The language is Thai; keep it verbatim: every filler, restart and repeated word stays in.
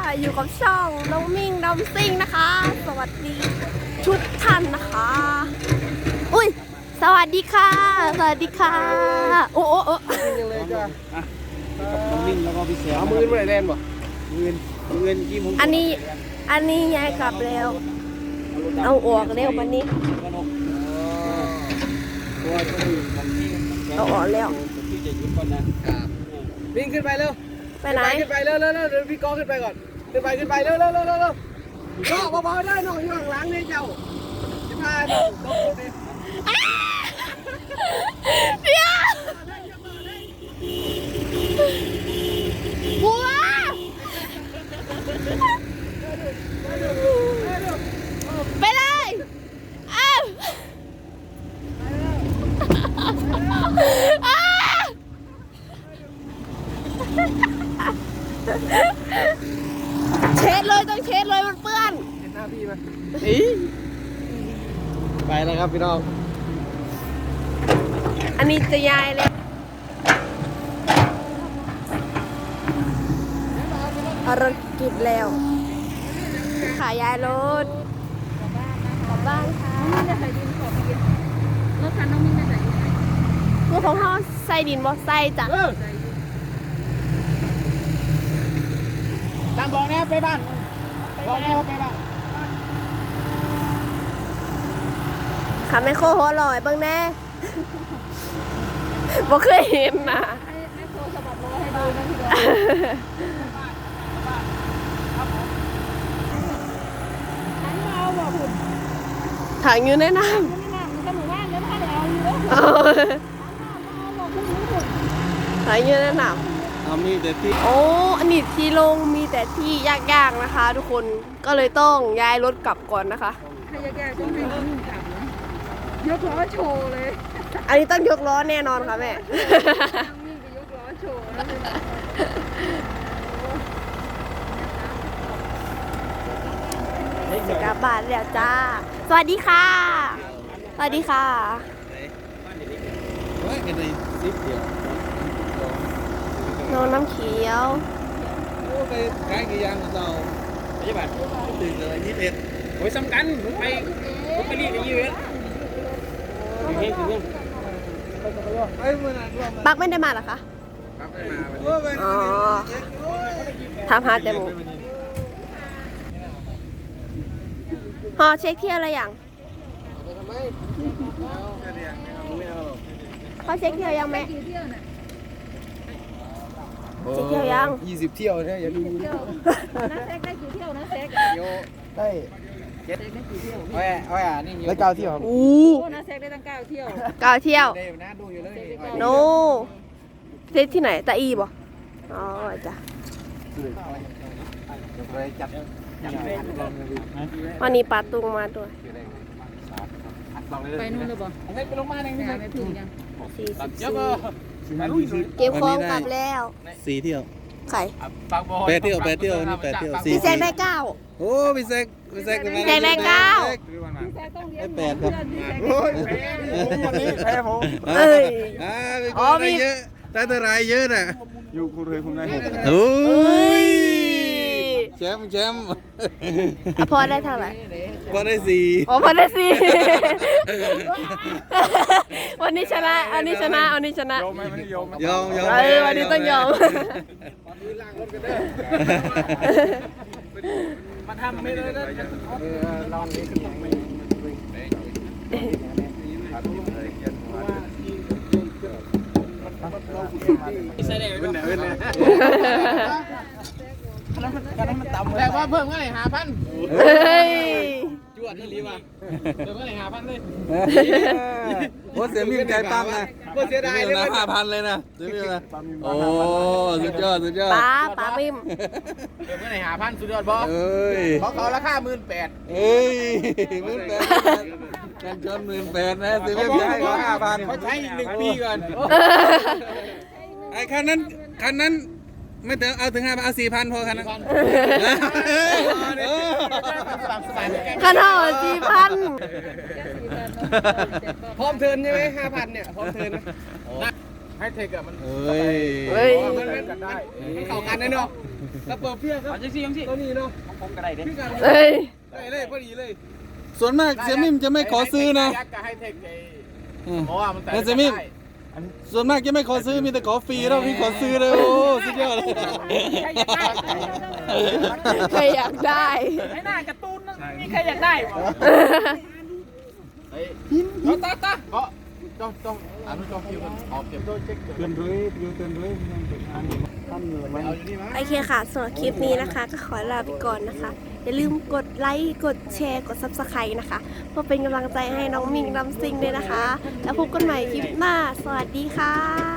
อยู่กับช่องน้องมิ่งดำซิ่งนะคะ สวัสดีทุกท่านนะคะอุ้ยสวัสดีค่ะสวัสดีค่ะโอ้โอ้โอ้ยังเลยจ้ะกับน้องมิ่งแล้วก็พี่เสือเอามือไปไหนแลนบ่มือมือกี่โมงอันนี้อันนี้ยายกลับแล้วเอาออกเร็ววันนี้ตัวจะอยู่มันที่เอาออกแล้วที่จะยุบก่อนนะวิ่งขึ้นไปเร็วไปไหนขึ้นไปเร็วเร็วเร็วเดี๋ยวพี่ก้องขึ้นไปก่อนขึ้นไปขึ้นไปเร็วเร็วเร็วเร็วเร็วก็เบาๆได้น้องอยู่ข้างหลังนี่เจ้าจะพาน้องต้องพูดดิเดี๋ยวบัวไปเลยอ้าวอ้าวเช็ดเลยต้องเช็ดเลยมันเปื้อนเห็นหน้าพี่ไหมไปแล้วครับพี่น้องอันนี้จะยายเลยภารกิจแล้วขายายรถกลับบ้านค่ะจะใส่ดินขอกินรถคันน้องมิ้นจะใส่ดินไหนพวกของเขาใส่ดินบ่ใส่จ้ะตามบอกนะไปบ้านบอกนะไปบ้านขาไม่โคหัวลอยเบ้างแน่ บ่เคยเห็นนะให้ให้โทรสะบัดล้อให้ดูนะพี่ดอันนี้เอาบอกหุ่นถังอยู่ในน้ไม่นั่งมันก็หมู่บ้านแล้วถ้าเดี๋ยวเอาอยู่แล้วำเอาบอกหุ่นหุ่นถังอยู่ในน้เอามีแต่ที่ำโอ้อันนี้ที่ลงมีแต่ที่ยากๆนะคะ ทุกคนก็เลยต้องย้ายรถกลับก่อนนะคะใครแก่ๆต้องให้น้องมิ้นกลับนะยกล้อโชว์เลยอันนี้ต้องยกล้อแน่นอนค่ะแม่น้องมิ้นไปยกล้อโชว์แล้วกลับบ้านแล้วจ้า สวัสดีค่ะ สวัสดีค่ะเฮ้ยกันในซิปเดียวน้องน้ำเขียวโอ้ไปขายกี่ยางของเราใช่ป่ะตื่นเลยยี่สิบเอ็ดโอ้ยสำคัญไปไปรีบไปยี่สิบเอ็ดถึงเฮ้ยถึงเฮ้ยไอ้มือนั่นรวมปักไม่ได้มาเหรอคะครับได้มาวันโอ้นี้ยอ๋อทำหาแต่หมูพอเช็คเที่ยวอะไรอย่างทำไมพอเช็คเที่ยวยังไหมกี่เที่ยวน่ะเช็คเที่ยวยังยี่สิบเที่ยวเนี่ยอย่าลืมเที่ยวนะแซกได้กี่เที่ยวนะแซกเที่ยวได้แซกได้กี่เที่ยวโอ้ยโอ้ยอ่ะนี่แล้วเก้าเที่ยวอู้โอ้นะแซกได้ตั้งเก้าเที่ยวเก้าเที่ยวได้นะดูอยู่เลยโนเช็คที่ไหนตาอีบ่อ๋อจ้ะไปจับจับไปวันนี้ปลาตุงมาด้วยไปนู่นเลยบ่ให้ไปลงมาหนึ่งงานไม่ถึงยังสี่สิบเยอะสี่ก็เก็บของกลับแล้วสี่เที่ยวไข่แปดเที่ยวแปดเที่ยวนี่แปดเที่ยวสี่พี่แซกได้เก้าโอ้พี่แซกพี่แซกพี่แซกได้เก้าพี่แซกต้องเลี้ยงแปดครับเพื่อนพี่แซกโอ้ยแพ้ผมวันนี้แพ้ผมเอ้ยอ่าพี่อ๋อได้มีเยอะได้เท่าไรเยอะน่ะอยู่คุณเคยผมได้หกโอ้เอ้ยแชมป์แชมป์อ่ะพอได้เท่าไหร่ก็ได้สี่อ๋อพอได้สี่ วันนี้ชนะวันนี้ชนะวันนี้ชนะยอมไหมไม่ได้ยอมยอมยอมเออวันนี้ต้องยอมมาทำไม่เลยนะเออลองนี้ขึ้นหลังไม่ใส่ได้เป็นไหนเป็นไหนแต่ว่าเพิ่มก็ไหนหาพันเฮ้ยจวดนี่รีว่ะเพิ่มก็ไหนหาพันเลยโอ้เสียมีใจปั๊มนะก็เสียดายเลยนะห้าพันเลยนะเสียมีนะโอ้สุดยอดสุดยอดป้าป้ามิมเพิ่มก็ไหนหาพันสุดยอดบอสเอ้ยเขาเขาราคาหมื่นแปดเอ้ยหมื่นแปดกันชนหมื่นแปดนะเสียไม่ใช่ก็ห้าพันเขาใช้อีกหนึ่งปีก่อนไอ้คันนั้นคันนั้นไม่ถึงเอาถึงห้าพันเอาสี่พันพอคันนั้นขนาดสี่พันพร้อมเทินใช่ไหมห้าพันเนี่ยพร้อมเทินให้เทคอะมันเอ้ยเฮ้ยมันกันได้เข้ากันนะเนาะแล้วเปิดเพี้ยครับเอาจังซี่จังซี่ตัวนี้เนาะของผมก็ได้เด้พี่กันเอ้ยได้เลยพอดีเลยส่วนมากเซมิมจะไม่ขอซื้อนะยักษ์กับไฮเทคไอ้เออเพราะว่ามันแต่แล้วเซมิมส่วนมากจะไม่ขอซื้อมีแต่ขอฟรีแล้วพี่ขอซื้อเลยโอ้สุดยอดเลยใครอยากได้ไอ้หน้าการ์ตูนนั่นมีใครอยากได้บ่เฮ้ยเอาตาตาเพราะจ้องจ้องอ่านจ้องคิวกันออกเก็บด้วยเช็คเกินด้วยอยู่เกินด้วยมันเป็นอันนี้ตั้งเงินไว้เอาอยู่นี่มั้ยโอเคค่ะสำหรับคลิปนี้นะคะ ก็ขอลาไปก่อนนะคะ อย่าลืมกดไลค์กดแชร์กด ซับสไครบ์ นะคะเพื่อเป็นกำลังใจให้น้องมิงลำซิงด้วยนะคะ แล้วพบกันใหม่คลิปหน้าสวัสดีค่ะ